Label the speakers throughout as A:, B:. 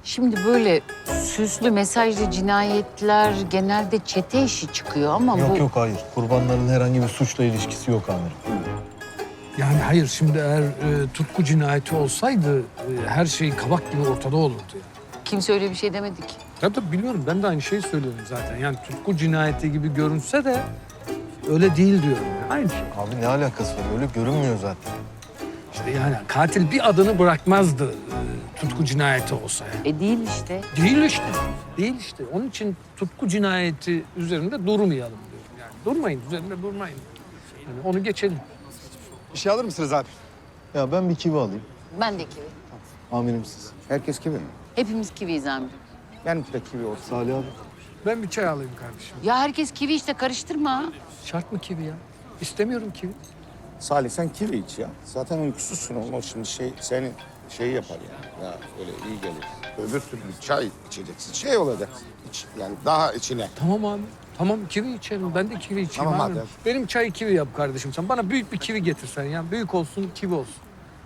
A: Şimdi böyle süslü mesajlı cinayetler genelde çete işi çıkıyor ama
B: Yok
A: bu...
B: yok hayır. Kurbanların herhangi bir suçla ilişkisi yok amirim.
C: Yani hayır, şimdi eğer tutku cinayeti olsaydı her şey kabak gibi ortada olurdu. Yani.
A: Kimse öyle bir şey demedi ki.
C: Tabii biliyorum, ben de aynı şeyi söylüyorum zaten. Yani tutku cinayeti gibi görünse de öyle değil diyorum. Yani. Aynı şey.
B: Abi ne alakası var? Öyle görünmüyor zaten.
C: İşte yani katil bir adını bırakmazdı tutku cinayeti olsa. Yani.
A: Değil işte.
C: Değil işte. Değil işte. Onun için tutku cinayeti üzerinde durmayalım diyorum. Yani durmayın, üzerinde durmayın. Yani onu geçelim.
D: Bir şey alır mısınız abi?
B: Ya ben bir kivi alayım.
A: Ben de kivi.
B: Amirim siz.
D: Herkes kivi mi?
A: Hepimiz kiviyiz amirim.
D: Benimki de kivi olsun.
B: Salih abi.
C: Ben bir çay alayım kardeşim.
A: Ya herkes kivi işte, karıştırma.
C: Şart mı kivi ya? İstemiyorum kivi.
E: Salih sen kivi iç ya. Zaten uykusuzsun o şimdi seni yapar yani. Ya öyle iyi gelir. Öbür türlü çay içeceksin. Şey olacak. Yani daha içine.
C: Tamam abi. Tamam, kivi içerim. Ben de kivi içeyim
E: Tamam
C: abi.
E: hadi.
C: Benim çayı kivi yap kardeşim sen. Bana büyük bir kivi getirsen ya. Büyük olsun, kivi olsun.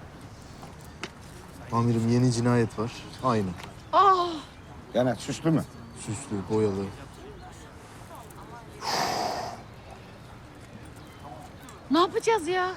B: Amirim yeni cinayet var. Aynı.
E: Yani süslü mü?
B: Süslü, boyalı.
A: Ne yapacağız ya?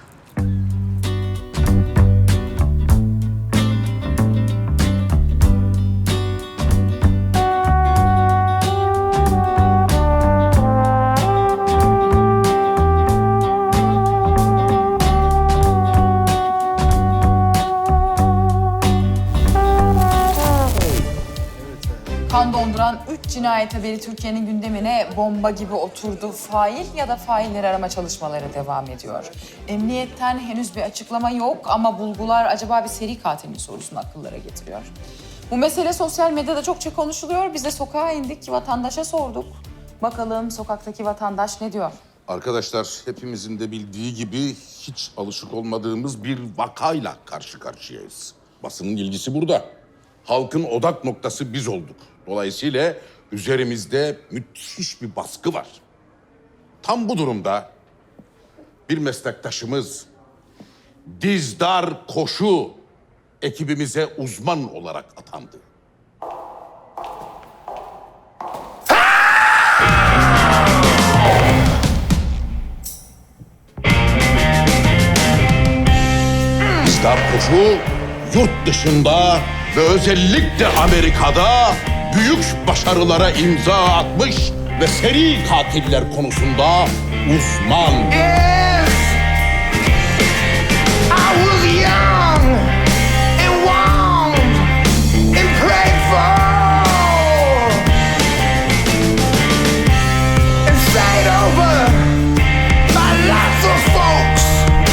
F: Kan donduran 3 cinayet haberi Türkiye'nin gündemine bomba gibi oturdu. Fail ya da failleri arama çalışmaları devam ediyor. Emniyetten henüz bir açıklama yok ama bulgular acaba bir seri katil mi sorusunu akıllara getiriyor. Bu mesele sosyal medyada çokça konuşuluyor. Biz de sokağa indik, vatandaşa sorduk. Bakalım sokaktaki vatandaş ne diyor?
G: Arkadaşlar, hepimizin de bildiği gibi hiç alışık olmadığımız bir vakayla karşı karşıyayız. Basının ilgisi burada. Halkın odak noktası biz olduk. Dolayısıyla üzerimizde müthiş bir baskı var. Tam bu durumda bir meslektaşımız Dizdar Koşu ekibimize uzman olarak atandı. Dizdar Koşu yurt dışında ve özellikle Amerika'da büyük başarılara imza atmış ve seri katiller konusunda uzman.
H: I was young and warmed and prayed for and stayed over by lots of folks.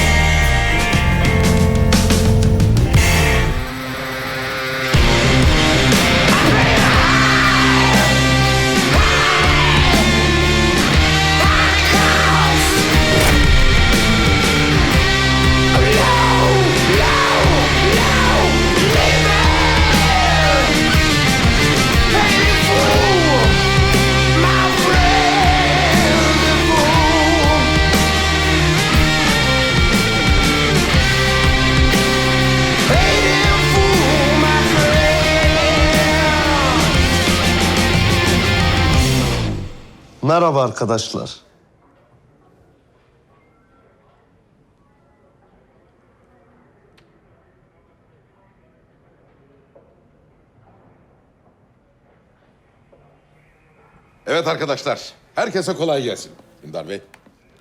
I: Merhaba arkadaşlar.
G: Evet arkadaşlar, herkese kolay gelsin. Dündar Bey.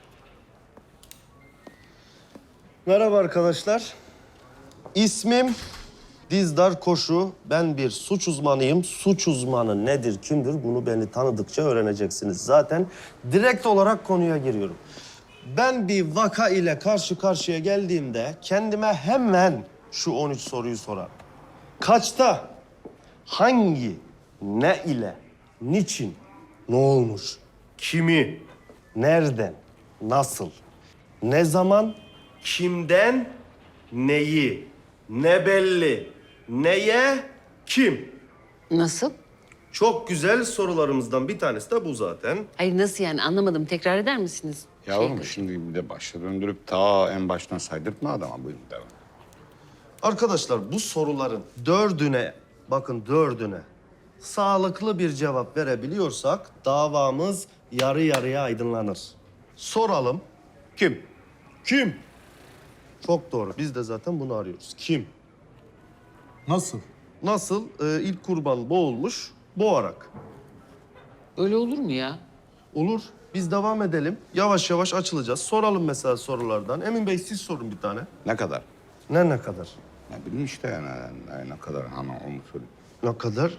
I: Merhaba arkadaşlar. İsmim Dizdar Koşu. Ben bir suç uzmanıyım. Suç uzmanı nedir, kimdir bunu beni tanıdıkça öğreneceksiniz. Zaten direkt olarak konuya giriyorum. Ben bir vaka ile karşı karşıya geldiğimde kendime hemen şu 13 soruyu sorarım. Kaçta, hangi, ne ile, niçin, ne olmuş, kimi, nereden, nasıl, ne zaman, kimden, neyi, ne belli, neye, kim?
A: Nasıl?
I: Çok güzel sorularımızdan bir tanesi de bu zaten.
A: Hayır nasıl yani, anlamadım. Tekrar eder misiniz?
D: Yavrum şimdi bir de başa döndürüp ta en baştan saydırtma adama. Buyurun devam.
I: Arkadaşlar bu soruların 4'üne bakın 4'üne sağlıklı bir cevap verebiliyorsak davamız yarı yarıya aydınlanır. Soralım.
D: Kim?
I: Kim? Çok doğru. Biz de zaten bunu arıyoruz. Kim?
B: Nasıl?
I: Nasıl? İlk kurban boğulmuş, boğarak.
A: Öyle olur mu ya?
I: Olur. Biz devam edelim. Yavaş yavaş açılacağız. Soralım mesela sorulardan. Emin Bey siz sorun bir tane.
D: Ne kadar?
I: Ne kadar?
D: Ne bileyim işte yani ne kadar hani onu söyleyeyim.
I: Ne kadar?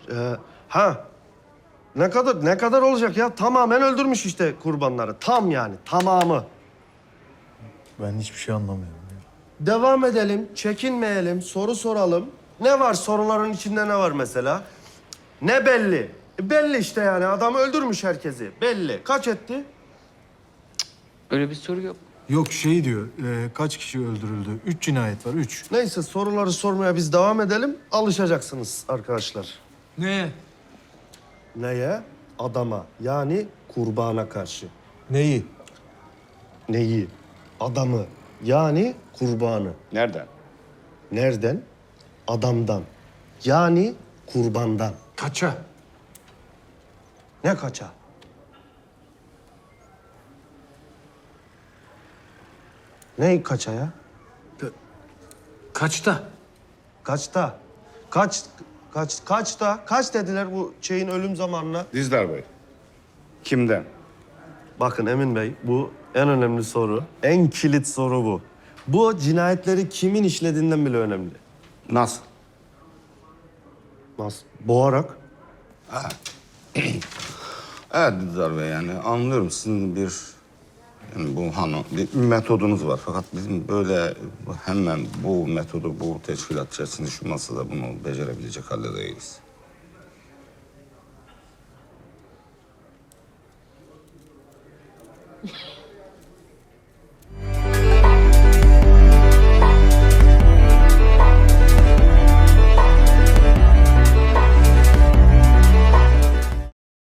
I: Ne kadar olacak ya? Tamamen öldürmüş işte kurbanları. Tam yani, tamamı.
B: Ben hiçbir şey anlamıyorum.
I: Devam edelim, çekinmeyelim, soru soralım. Ne var soruların içinde ne var mesela? Ne belli? Belli işte yani adam öldürmüş herkesi. Belli. Kaç etti?
A: Öyle bir soru yok.
B: Yok şey diyor, kaç kişi öldürüldü? 3 cinayet var, 3.
I: Neyse soruları sormaya biz devam edelim. Alışacaksınız arkadaşlar.
C: Ne?
I: Neye? Adama yani kurbana karşı.
B: Neyi?
I: Neyi? Adamı yani kurbanı.
D: Nereden?
I: Nereden? Adamdan. Yani kurbandan.
C: Kaça?
I: Ne kaça? Ne kaça ya?
C: Kaçta?
I: Kaçta? Kaçta? Kaç dediler bu şeyin ölüm zamanına?
D: Dizdar Bey. Kimden?
I: Bakın Emin Bey, bu en önemli soru. En kilit soru bu. Bu cinayetleri kimin işlediğinden bile önemli.
D: Nasıl?
I: Nasıl? Boğarak.
D: Evet Dizdar Bey yani anlıyorum sizin bir yani bu hani bir metodunuz var. Fakat bizim böyle hemen bu metodu bu teşkilat içerisinde şu masada bunu becerebilecek halde değiliz.